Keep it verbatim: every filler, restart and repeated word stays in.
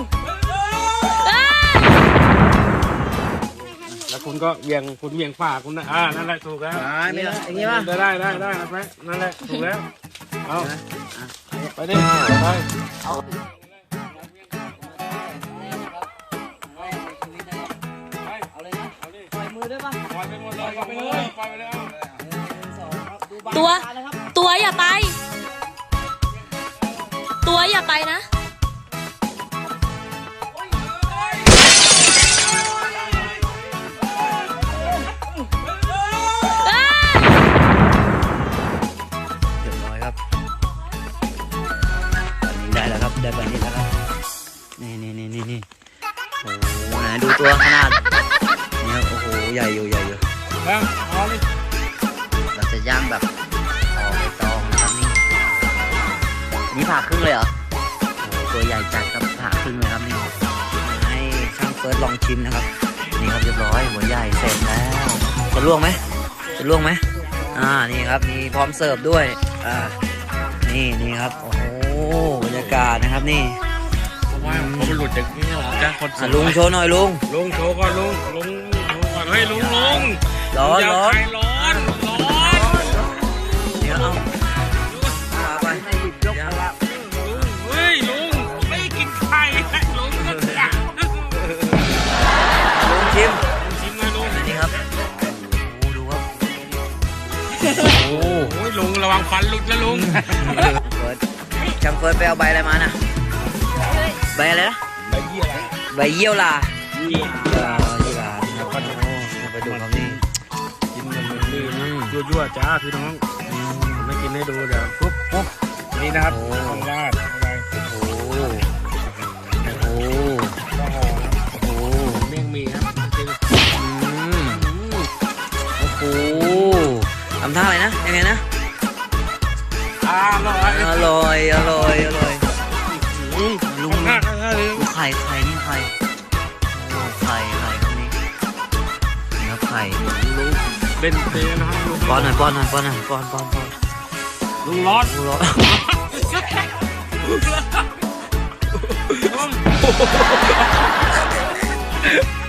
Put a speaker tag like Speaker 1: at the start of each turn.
Speaker 1: แล้วคุณก็เวียงคุณเวียงฝ่าคุณนะอ่านั่นแหละถูกแล้ว
Speaker 2: นี่อย่างนี้ป่ะ
Speaker 1: ได้ได้ได้ได้ไหมนั่นแหละถูกแล้วเอาไปดิไปเอา
Speaker 3: ตัวตัวอย่าไปตัวอย่าไปนะ
Speaker 2: เรียบร้อยครับได้แล้วครับได้แบบนี้แล้วครับนี่นี่นี่นี่นี่โอ้โหไหนดูตัวขนาดนี่โอ้โหใหญ่อยู่ใหญ่อยู่
Speaker 1: แล้วเอาเลย
Speaker 2: เราจะย่างแบบห่อใบตองนะครับนี่นี่ผ่าครึ่งเลยเหรอโอ้ตัวใหญ่จัดครับผ่าครึ่งเลยครับนี่ให้ช่างเฟิร์สลองชิมนะครับนี่ครับเรียบร้อยหัวใหญ่เสร็จแล้วจะล่วงไหมจะล่วงไหมอ่านี่ครับมีพร้อมเสิร์ฟด้วยอ่านี่นี่ครับโอ้โหบรรยากาศนะครับนี่
Speaker 1: ว่าผมหลุดจากนี่หรอจ้าคน
Speaker 2: ลุงโชว์หน่อยลุง
Speaker 1: ลุงโชว์ก่อนลุงลุงโชว์ก่อนเฮ้ยลุงลุง
Speaker 2: ร้อนร้อน
Speaker 1: ร้อนร้อน
Speaker 2: เดี๋ยวเอาไปยกละ
Speaker 1: เฮ้ยลุงไม่กินไข่ลุงก็จับ
Speaker 2: ลุงชิม
Speaker 1: ชิมหน่อยลุง
Speaker 2: นี่ครับโอ้ดูครับ
Speaker 1: โอ้ยลุงระวังฟันหลุดนะลุง
Speaker 2: เฟิร์สช่างเฟิร์สไปเอาใบอะไรมานะใบอะไรนะ
Speaker 1: ใบเยี่ยลา
Speaker 2: ใบเยี่ยวลาเยี่ยวลาครับไปดูครับนี่
Speaker 1: กินมันนี่ยั่วๆจ้าพี่น้องไม่กินให้ดูเดี๋ยวปุ๊บปุ๊บนี่นะครับต้องราดอะไร
Speaker 2: โอ้โหโอ้โห
Speaker 1: ก็ห่อโอ้โหเมี่ยงมีครับ
Speaker 2: โอ้โหทำท่าอะไรนะยังไงนะ
Speaker 1: อร่อย
Speaker 2: อร่อยอร่อยอร่อยลุงลุงไข่ไข่นี่ไข่โอ้ไข่ไข่ตรงนี้นี่ครับไข่
Speaker 1: ลุงเล่นเตะนะครับลุง
Speaker 2: ป้อนหน่อยป้อนหน่อยป้อนหน่อยป้อนป้อนป้อน
Speaker 1: ลุงร้อน
Speaker 2: ลุงร้อน
Speaker 1: ลุง